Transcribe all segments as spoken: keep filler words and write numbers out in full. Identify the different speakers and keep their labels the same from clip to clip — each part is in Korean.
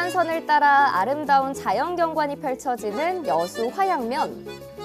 Speaker 1: 해안선을 따라 아름다운 자연경관이 펼쳐지는 여수 화양면.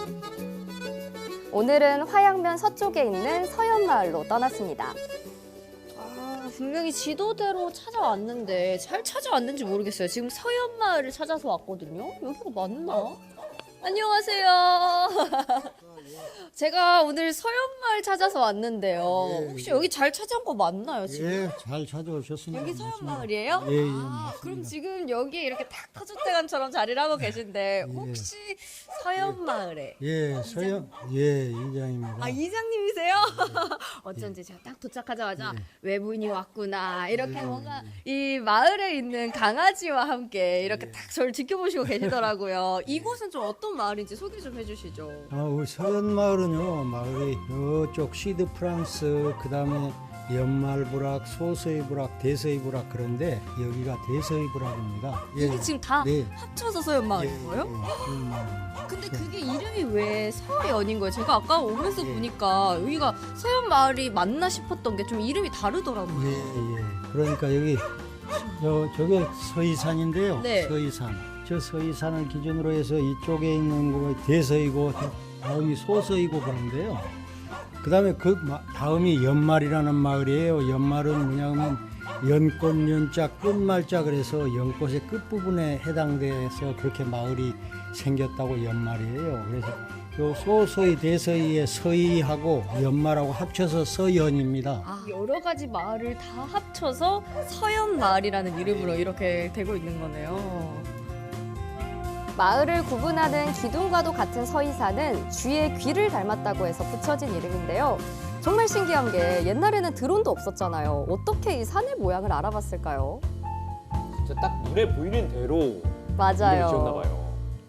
Speaker 1: 오늘은 화양면 서쪽에 있는 서현마을로 떠났습니다.
Speaker 2: 아, 분명히 지도대로 찾아왔는데 잘 찾아왔는지 모르겠어요. 지금 서현마을을 찾아서 왔거든요. 여기가 맞나? 안녕하세요. 제가 오늘 서현마을 찾아서 왔는데요.
Speaker 3: 예,
Speaker 2: 혹시
Speaker 3: 예.
Speaker 2: 여기 잘 찾아온 거 맞나요, 지금?
Speaker 3: 예, 잘 찾아오셨습니다.
Speaker 2: 여기
Speaker 3: 맞습니다.
Speaker 2: 서현마을이에요?
Speaker 3: 예, 예,
Speaker 2: 아,
Speaker 3: 맞습니다.
Speaker 2: 그럼 지금 여기 이렇게 딱 터줏대감처럼 자리를 하고 계신데
Speaker 3: 예.
Speaker 2: 혹시 서현마을에
Speaker 3: 예, 서영, 예, 이장입니다.
Speaker 2: 아 이장님이세요? 어쩐지 제가 딱 도착하자마자
Speaker 3: 예.
Speaker 2: 외부인이 왔구나 이렇게
Speaker 3: 예,
Speaker 2: 뭔가 이 마을에 있는 강아지와 함께 이렇게
Speaker 3: 예.
Speaker 2: 딱 저를 지켜보시고 계시더라고요. 이곳은 좀 어떤 마을인지 소개 좀 해주시죠.
Speaker 3: 아, 우리 서현마을은요, 마을이 이쪽 시드 프랑스, 그 다음에 연말부락, 소서이부락, 대서이부락 그런데 여기가 대서이부락입니다. 예.
Speaker 2: 이게 지금 다
Speaker 3: 네.
Speaker 2: 합쳐서 서현마을인 거예요?
Speaker 3: 예,
Speaker 2: 근데 그게 이름이 왜 서연인 거예요? 제가 아까 오면서
Speaker 3: 예.
Speaker 2: 보니까 여기가 서현마을이 맞나 싶었던 게 좀 이름이 다르더라고요.
Speaker 3: 예, 예. 그러니까 여기 저 저게 서이산인데요.
Speaker 2: 네.
Speaker 3: 서이산. 저 서이산을 기준으로 해서 이쪽에 있는 거 대서이고 다음이 소서이고 그런데요. 그다음에 그 마- 다음이 연말이라는 마을이에요. 연말은 뭐냐면 연꽃 연자 끝말자 그래서 연꽃의 끝부분에 해당돼서 그렇게 마을이 생겼다고 연말이에요. 그래서 요 소서이 대서이의 서이하고 연말하고 합쳐서 서연입니다.
Speaker 2: 아, 여러 가지 마을을 다 합쳐서 서현마을이라는 이름으로 이렇게 되고 있는 거네요.
Speaker 1: 마을을 구분하는 기둥과도 같은 서이산은 쥐의 귀를 닮았다고 해서 붙여진 이름인데요. 정말 신기한 게 옛날에는 드론도 없었잖아요. 어떻게 이 산의 모양을 알아봤을까요?
Speaker 4: 진짜 딱 눈에 보이는 대로 이름을
Speaker 1: 맞아요.
Speaker 4: 지었나 봐요.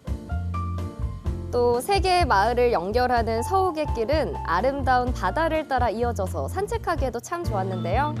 Speaker 1: 또 세 개의 마을을 연결하는 서욱의 길은 아름다운 바다를 따라 이어져서 산책하기에도 참 좋았는데요.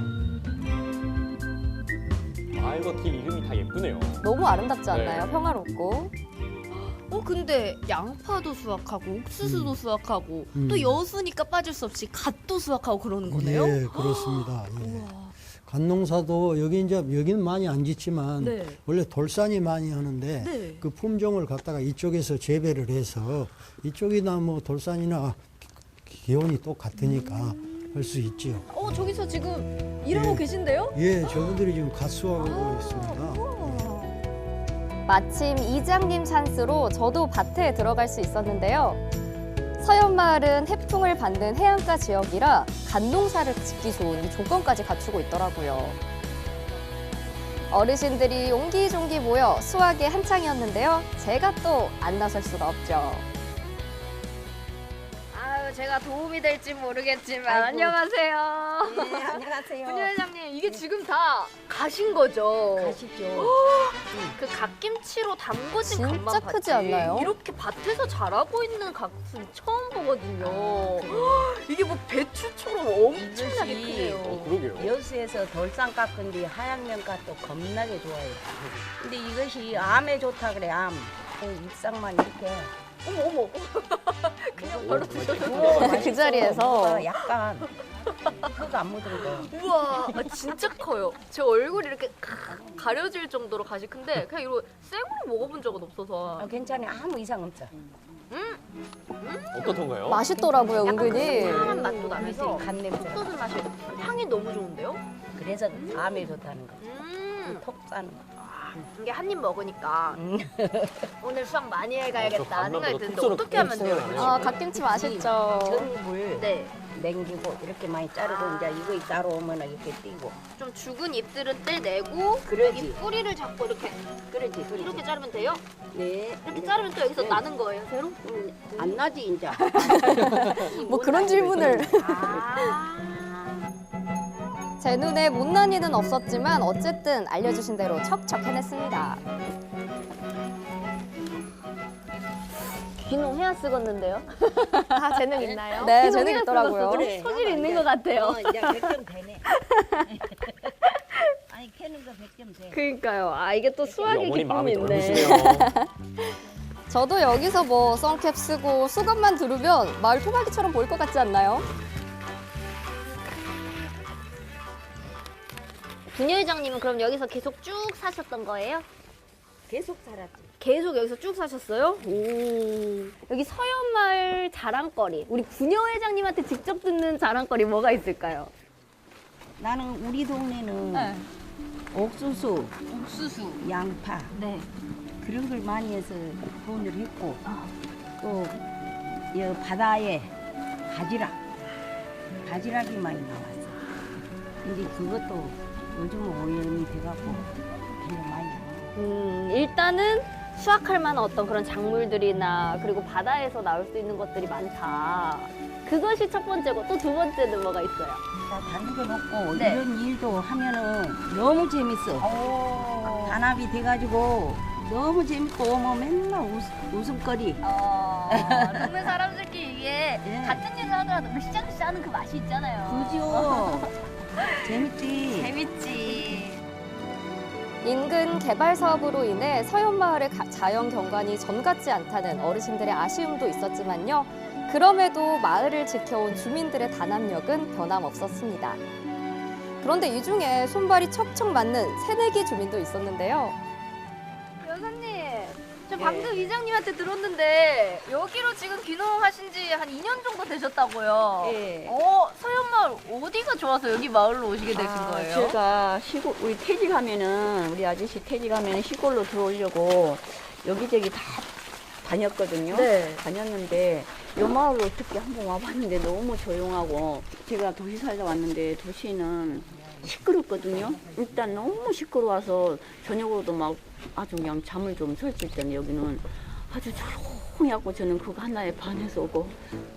Speaker 4: 마을과 길 이름이 다 예쁘네요.
Speaker 1: 너무 아름답지 않나요?
Speaker 4: 네.
Speaker 1: 평화롭고.
Speaker 2: 어 근데 양파도 수확하고 옥수수도 수확하고
Speaker 3: 음.
Speaker 2: 또 여수니까 빠질 수 없이 갓도 수확하고 그러는 거네요.
Speaker 3: 예, 그렇습니다. 예.
Speaker 2: 우와.
Speaker 3: 갓농사도 여기 이제 여기는 많이 안 짓지만
Speaker 2: 네.
Speaker 3: 원래 돌산이 많이 하는데
Speaker 2: 네.
Speaker 3: 그 품종을 갖다가 이쪽에서 재배를 해서 이쪽이나 뭐 돌산이나 기온이 똑같으니까 할 수 있지요.
Speaker 2: 어 저기서 지금 일하고
Speaker 3: 예.
Speaker 2: 계신데요?
Speaker 3: 예, 저분들이 지금 갓수하고
Speaker 2: 아,
Speaker 3: 있습니다.
Speaker 1: 마침 이장님 찬스로 저도 밭에 들어갈 수 있었는데요. 서현마을은 해풍을 받는 해안가 지역이라 갓농사를 짓기 좋은 이 조건까지 갖추고 있더라고요. 어르신들이 옹기종기 모여 수확에 한창이었는데요. 제가 또 안 나설 수가 없죠.
Speaker 2: 아유 제가 도움이 될지 모르겠지만
Speaker 5: 아이고.
Speaker 2: 안녕하세요.
Speaker 5: 네, 안녕하세요.
Speaker 2: 분유 회장님 이게 지금 다 가신 거죠?
Speaker 5: 가시죠.
Speaker 2: 그 갓김치로 담궈진
Speaker 1: 진짜
Speaker 2: 갓만
Speaker 1: 크지
Speaker 2: 봤지.
Speaker 1: 않나요?
Speaker 2: 이렇게 밭에서 자라고 있는 갓은 처음 보거든요. 이게 뭐 배추처럼 엄청나게
Speaker 5: 이것이-
Speaker 2: 크네요.
Speaker 4: 어, 그러게요.
Speaker 5: 여수에서 돌산 깎은 뒤 하양면 깎도 겁나게 좋아요. 근데 이것이 암에 좋다 그래, 암. 그 잎상만 이렇게.
Speaker 2: 어머 어머. 그냥 바로 드셔도 돼요.
Speaker 5: 구워
Speaker 1: 그 자리에서.
Speaker 5: 맛있어. 약간 흙 안 묻은 거.
Speaker 2: 우와 아, 진짜 커요. 제 얼굴이 이렇게 가려질 정도로 가시 큰데 그냥 이거 생으로 먹어본 적은 없어서.
Speaker 5: 아, 괜찮아. 아무 이상 없어.
Speaker 4: 어떻던가요?
Speaker 1: 맛있더라고요,
Speaker 2: 약간 그
Speaker 1: 은근히.
Speaker 2: 상한 맛도 나면서
Speaker 5: 간 냄새.
Speaker 2: 옥수수 맛이 향이 너무 좋은데요?
Speaker 5: 그래서 암에 좋다는 거.
Speaker 2: 음
Speaker 5: 톡 싸는 거.
Speaker 2: 이게 한 입 먹으니까
Speaker 5: 음.
Speaker 2: 오늘 수학 많이
Speaker 4: 어, 저
Speaker 2: 해가야겠다
Speaker 4: 밥만
Speaker 2: 생각이
Speaker 4: 봐도
Speaker 2: 드는데
Speaker 4: 톡
Speaker 2: 어떻게 하면 돼요?
Speaker 4: 쏘는
Speaker 1: 아, 갓김치 맛있죠.
Speaker 5: 전입을
Speaker 2: 네,
Speaker 5: 냉기고 이렇게 많이 자르고
Speaker 2: 아.
Speaker 5: 이제 이거 따로 오면 이렇게 띄고.
Speaker 2: 좀 죽은 잎들은 떼내고
Speaker 5: 그러지.
Speaker 2: 여기 뿌리를 잡고 이렇게
Speaker 5: 그러지, 그러지.
Speaker 2: 이렇게 자르면 돼요?
Speaker 5: 네.
Speaker 2: 이렇게 자르면 또 여기서
Speaker 5: 네.
Speaker 2: 나는 거예요, 새로?
Speaker 5: 음, 안 나지 이제.
Speaker 1: 뭐 그런 질문을.
Speaker 2: 아,
Speaker 1: 제 눈에 못난이는 없었지만 어쨌든 알려주신 대로 척척 해냈습니다.
Speaker 2: 귀농 해야 쓰겄는데요? 아, 재능 있나요?
Speaker 1: 네, 재능 있더라고요.
Speaker 5: 그래.
Speaker 2: 소질이 있는 것 같아요.
Speaker 5: 어, 이제 백 점 되네. 아니 캐는 거 백 점 돼.
Speaker 2: 그러니까요. 아, 이게 또 수학의
Speaker 4: 어머니
Speaker 2: 기쁨이
Speaker 4: 마음이
Speaker 2: 있네.
Speaker 4: 넓으시네요.
Speaker 1: 저도 여기서 뭐 선캡 쓰고 수건만 두르면 마을 토박이처럼 보일 것 같지 않나요?
Speaker 2: 분녀 회장님은 그럼 여기서 계속 쭉 사셨던 거예요?
Speaker 5: 계속 살았지.
Speaker 2: 계속 여기서 쭉 사셨어요? 오. 여기 서현마을 자랑거리. 우리 부녀 회장님한테 직접 듣는 자랑거리 뭐가 있을까요?
Speaker 5: 나는 우리 동네는 옥수수,
Speaker 2: 옥수수.
Speaker 5: 양파
Speaker 2: 네.
Speaker 5: 그런 걸 많이 해서 돈을 했고 또 이 바다에 바지락, 바지락이 많이 나왔어. 근데 그것도 요즘은 오염이 돼갖고 별로 많이 안 나와.
Speaker 2: 음, 일단은 수확할 만한 어떤 그런 작물들이나 그리고 바다에서 나올 수 있는 것들이 많다. 그것이 첫 번째고 또 두 번째는 뭐가 있어요?
Speaker 5: 나 다른 건 없고
Speaker 2: 네.
Speaker 5: 이런 일도 하면은 너무 재밌어. 단합이 돼가지고 너무 재밌고 뭐 맨날 웃, 웃음거리.
Speaker 2: 어, 동네 사람들끼리 이게
Speaker 5: 예.
Speaker 2: 같은 일을 하더라도 으쌰으쌰 하는 그 맛이 있잖아요.
Speaker 5: 그죠? 재밌지.
Speaker 2: 재밌지.
Speaker 1: 인근 개발 사업으로 인해 서현마을의 가- 자연 경관이 전 같지 않다는 어르신들의 아쉬움도 있었지만요. 그럼에도 마을을 지켜온 주민들의 단합력은 변함없었습니다. 그런데 이 중에 손발이 척척 맞는 새내기 주민도 있었는데요.
Speaker 2: 여사님, 저 방금 이장님한테 들었는데 여기로 지금 귀농하신 지 한 이 년 정도 되셨다고요?
Speaker 5: 예.
Speaker 2: 어, 서현마을 어디가 좋아서 여기 마을로 오시게 되신
Speaker 5: 아,
Speaker 2: 거예요?
Speaker 5: 제가 시골 우리 퇴직하면은 우리 아저씨 퇴직하면 시골로 들어오려고 여기저기 다 다녔거든요.
Speaker 2: 네.
Speaker 5: 다녔는데 요 마을로 어떻게 한번 와봤는데 너무 조용하고 제가 도시 살다 왔는데 도시는 시끄럽거든요. 일단 너무 시끄러워서 저녁으로도 막 아주 그냥 잠을 좀 설칠 때는 여기는 아주 조용히 하고 저는 그거 하나에 반해서 오고.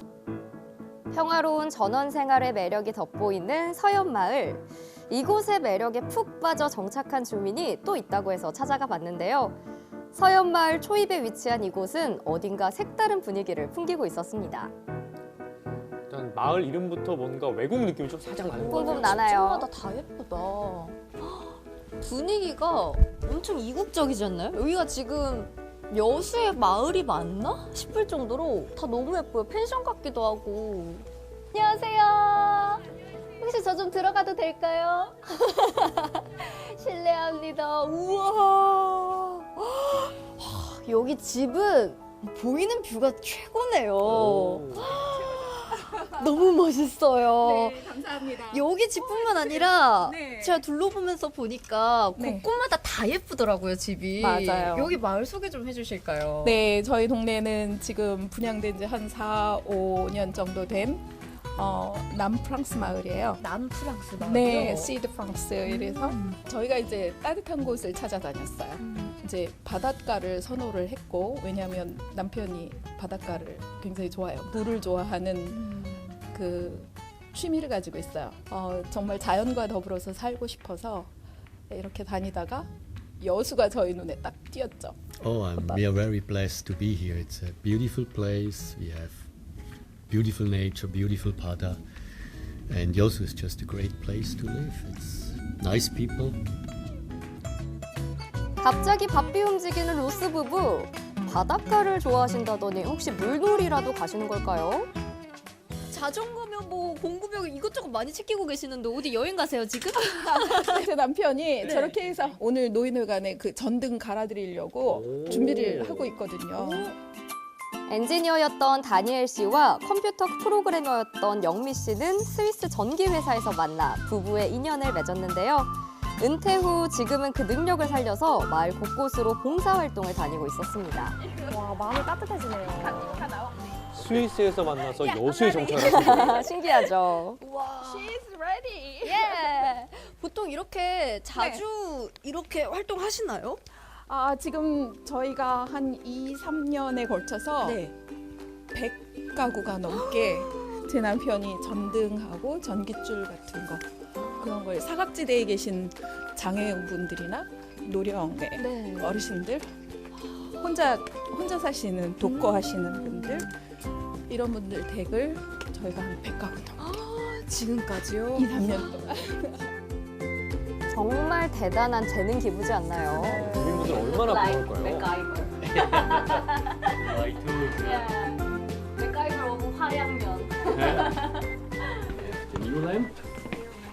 Speaker 1: 평화로운 전원 생활의 매력이 돋보이는 서현마을. 이곳의 매력에 푹 빠져 정착한 주민이 또 있다고 해서 찾아가 봤는데요. 서현마을 초입에 위치한 이곳은 어딘가 색다른 분위기를 풍기고 있었습니다.
Speaker 4: 일단 마을 이름부터 뭔가 외국 느낌이 좀 살짝 나는 것
Speaker 1: 뿜뿜
Speaker 4: 같아요.
Speaker 1: 나나요?
Speaker 6: 집마다 다 예쁘다. 분위기가 엄청 이국적이지 않나요? 여기가 지금 여수의 마을이 맞나 싶을 정도로 다 너무 예뻐요. 펜션 같기도 하고.
Speaker 2: 안녕하세요. 혹시 저 좀 들어가도 될까요? 실례합니다.
Speaker 6: 우와. 여기 집은 보이는 뷰가 최고네요.
Speaker 4: 오.
Speaker 6: 너무 멋있어요.
Speaker 7: 네, 감사합니다.
Speaker 6: 여기 집뿐만 아니라
Speaker 7: 네.
Speaker 6: 제가 둘러보면서 보니까
Speaker 7: 네.
Speaker 6: 곳곳마다 다 예쁘더라고요, 집이.
Speaker 7: 맞아요.
Speaker 6: 여기 마을 소개 좀 해주실까요?
Speaker 7: 네, 저희 동네는 지금 분양된 지 한 사, 오 년 정도 된 어, 남프랑스 마을이에요.
Speaker 6: 남프랑스 마을이요?
Speaker 7: 네, 시드 프랑스 이래서 저희가 이제 따뜻한 곳을 찾아다녔어요. 이제 바닷가를 선호를 했고 왜냐하면 남편이 바닷가를 굉장히 좋아해요. 물을 좋아하는 그 취미를 가지고 있어요. 어, 정말 자연과 더불어서 살고 싶어서 이렇게 다니다가 여수가 저희 눈에 딱 띄었죠.
Speaker 8: Oh, um, we are very blessed to be here. It's a beautiful place. We have beautiful nature, beautiful Pada, and Yosu is just a great place to live. It's nice people.
Speaker 1: 갑자기 바삐 움직이는 로스 부부. 바닷가를 좋아하신다더니 혹시 물놀이라도 가시는 걸까요?
Speaker 6: 자전거며 뭐 공구며 이것저것 많이 챙기고 계시는데 어디 여행 가세요 지금?
Speaker 7: 제 남편이 저렇게 해서 오늘 노인회관에 그 전등 갈아드리려고
Speaker 4: 오.
Speaker 7: 준비를 하고 있거든요.
Speaker 1: 엔지니어였던 다니엘 씨와 컴퓨터 프로그래머였던 영미 씨는 스위스 전기 회사에서 만나 부부의 인연을 맺었는데요. 은퇴 후 지금은 그 능력을 살려서 마을 곳곳으로 봉사활동을 다니고 있었습니다.
Speaker 2: 와, 마음이 따뜻해지네요.
Speaker 4: 스위스에서 만나서 여수에 정착하셨어요.
Speaker 1: 신기하죠?
Speaker 6: 와.
Speaker 2: She's ready.
Speaker 6: 예. 보통 이렇게 자주 이렇게 활동하시나요?
Speaker 7: 아, 지금 저희가 한 이, 삼 년에 걸쳐서
Speaker 6: 네.
Speaker 7: 백 가구가 넘게 제 남편이 전등하고 전기줄 같은 거 그런 걸 사각지대에 계신 장애인분들이나 노령의
Speaker 6: 네.
Speaker 7: 어르신들 혼자 혼자 사시는 독거하시는 분들 이런 분들 댁을 저희가 한 백 가구 넘게
Speaker 6: 지금까지요?
Speaker 7: 이, 삼 년 동안
Speaker 1: 정말 대단한 재능 기부지 않나요?
Speaker 4: 주민분들 얼마나 부러울까요?
Speaker 2: 맥가이버.
Speaker 8: I too.
Speaker 2: 맥가이버 오브 화양면.
Speaker 8: The new lamp?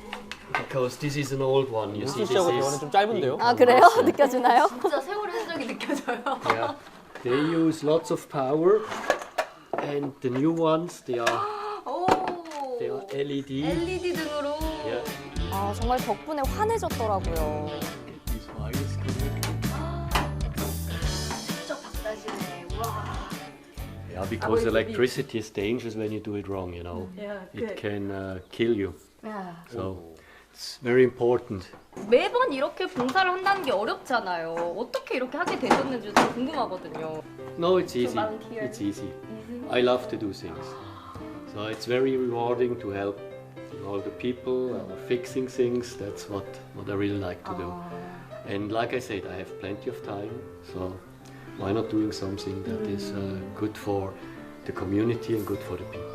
Speaker 8: Because this is an old one. You see,
Speaker 4: 윤수
Speaker 8: this
Speaker 4: 씨하고 대화는
Speaker 8: is
Speaker 4: 좀 짧은데요?
Speaker 1: 아 그래요? 느껴지나요?
Speaker 2: 진짜 세월의 흔적이
Speaker 6: 느껴져요.
Speaker 8: Yeah, they use lots of power, and the new ones they are
Speaker 6: 오.
Speaker 8: they are L E D.
Speaker 6: 엘이디 등으로.
Speaker 8: Yeah.
Speaker 1: 아, 정말 덕분에 환해졌더라고요.
Speaker 8: This wireless connector.
Speaker 6: 직접 박사시네. 와.
Speaker 8: Yeah, because electricity is dangerous when you do it wrong. You know,
Speaker 6: Yeah,
Speaker 8: it can uh, kill you.
Speaker 6: 야.
Speaker 8: So it's very important.
Speaker 6: 매번 이렇게 봉사를 한다는 게 어렵잖아요. 어떻게 이렇게 하게 되셨는지 좀 궁금하거든요.
Speaker 8: No, it's easy.
Speaker 6: volunteer.
Speaker 8: It's easy. I love to do things. So it's very rewarding to help all the people uh, fixing things. That's what, what I really like to do. And like I said, I have plenty of time. So why not doing something that is uh, good for the community and good for the people?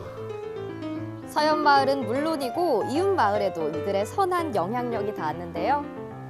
Speaker 1: 서현마을은 물론이고 이웃마을에도 이들의 선한 영향력이 닿았는데요.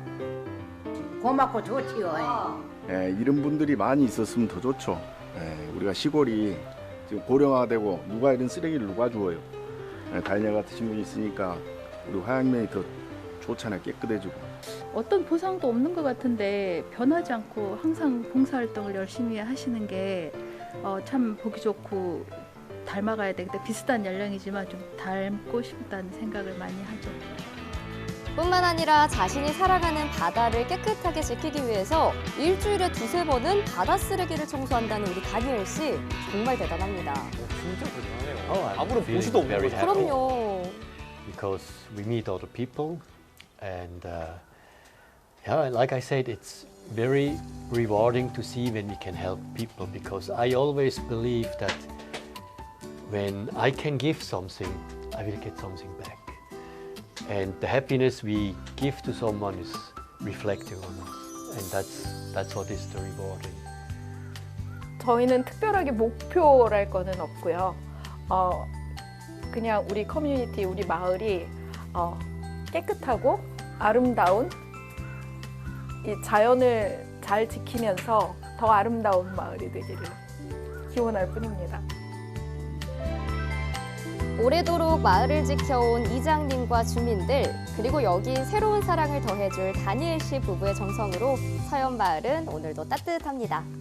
Speaker 9: 고맙고 좋지요.
Speaker 10: 예, 이런 분들이 많이 있었으면 더 좋죠. 예, 우리가 시골이 지금 고령화되고 누가 이런 쓰레기를 누가 주워요. 예, 달녀 같으신 분이 있으니까 우리 화양면이 더 좋잖아요. 깨끗해지고.
Speaker 7: 어떤 보상도 없는 것 같은데 변하지 않고 항상 봉사활동을 열심히 하시는 게 참 보기 좋고 닮아가야 되겠다. 비슷한 연령이지만 좀 닮고 싶다는 생각을 많이 하죠.
Speaker 1: 뿐만 아니라 자신이 살아가는 바다를 깨끗하게 지키기 위해서 일주일에 두세 번은 바다 쓰레기를 청소한다는 우리 다니엘 씨 정말 대단합니다.
Speaker 4: 진짜 대단하네요.
Speaker 8: Oh, I'm
Speaker 4: 아무런
Speaker 8: feeling
Speaker 4: 보수도 없는
Speaker 8: very
Speaker 4: 거죠.
Speaker 8: happy.
Speaker 1: 그럼요.
Speaker 8: Because we meet other people, and uh, yeah, like I said, it's very rewarding to see when we can help people. Because I always believe that when I can give something, I will get something back, and the happiness we give to someone is reflecting on us, and that's that's what is the rewarding.
Speaker 7: 저희는 특별하게 목표랄 거는 없고요. 어, 그냥 우리 커뮤니티, 우리 마을이 어, 깨끗하고 아름다운 이 자연을 잘 지키면서 더 아름다운 마을이 되기를 기원할 뿐입니다.
Speaker 1: 오래도록 마을을 지켜온 이장님과 주민들, 그리고 여기 새로운 사랑을 더해줄 다니엘 씨 부부의 정성으로 서현마을은 오늘도 따뜻합니다.